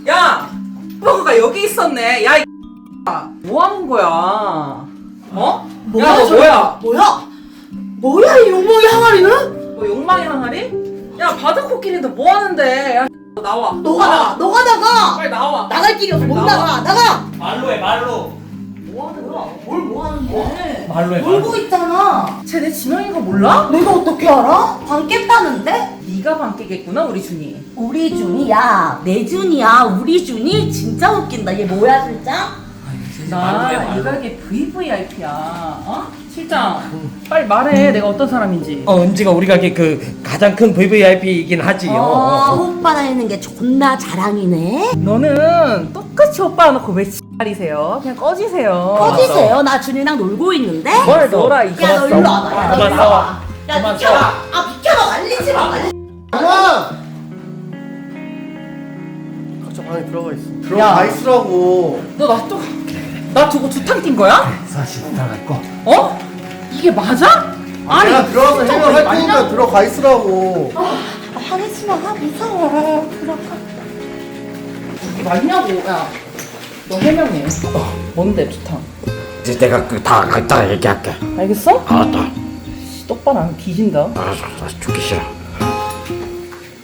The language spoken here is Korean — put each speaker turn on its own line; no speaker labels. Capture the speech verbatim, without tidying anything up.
야! 버거가 여기 있었네. 야, 이 뭐 하는 거야? 어?
뭐야,
야, 너
저거?
뭐야?
뭐야? 뭐야 이 용모의 항아리는?
뭐 욕망의 항아리? 야, 바다코끼리도 뭐 하는데? 야, 너 나와.
너가 나가! 너가 나가!
빨리 나와.
나갈 길이 없어 못
나와.
나가! 나가!
말로 해 말로.
뭐 하는 거야? 뭘 뭐 하는데?
말로 해
놀고 있잖아.
쟤내 지명인 거 몰라?
내가 어떻게 알아? 방 깼다는데?
네가 방 깨겠구나, 우리 준이.
우리 준이야. 내 준이야. 우리 준이 진짜 웃긴다. 얘 뭐야 실장?
나 이 가게 브이브이아이피야. 어? 실장, 빨리 말해. 내가 어떤 사람인지.
어 은지가 우리 가게 그 가장 큰 브이브이아이피이긴 하지.
어, 오빠 다니는 게 존나 자랑이네.
너는 똑같이 오빠 놓고 왜 X발이세요? 그냥 꺼지세요.
꺼지세요. 나 준이랑 놀고 있는데?
뭘 놀아, 이
야 너 일로 와봐. 야, 너
그만
일로
싸워.
와봐. 야
그만
비켜봐.
싸워.
아 비켜봐. 말리지 마. 말리.
그만! 각자 방에 들어가 있어.
야.
들어가 있으라고.
너 나 또, 나 두고 두탕 뛴 거야?
사실 들어갈 거.
어? 이게 맞아? 아니,
내가 들어가서
진짜
해명할
그게
테니까
맞냐고.
들어가 있으라고.
하겠지 마. 아, 무서워. 들어가.
이게 맞냐고, 야. 너 해명해. 뭔데, 두탕?
이제 내가 그다 갖다 얘기할게.
알겠어?
알았다.
똑바로 안 뒤진다.
알았어, 알았어. 죽기 싫어.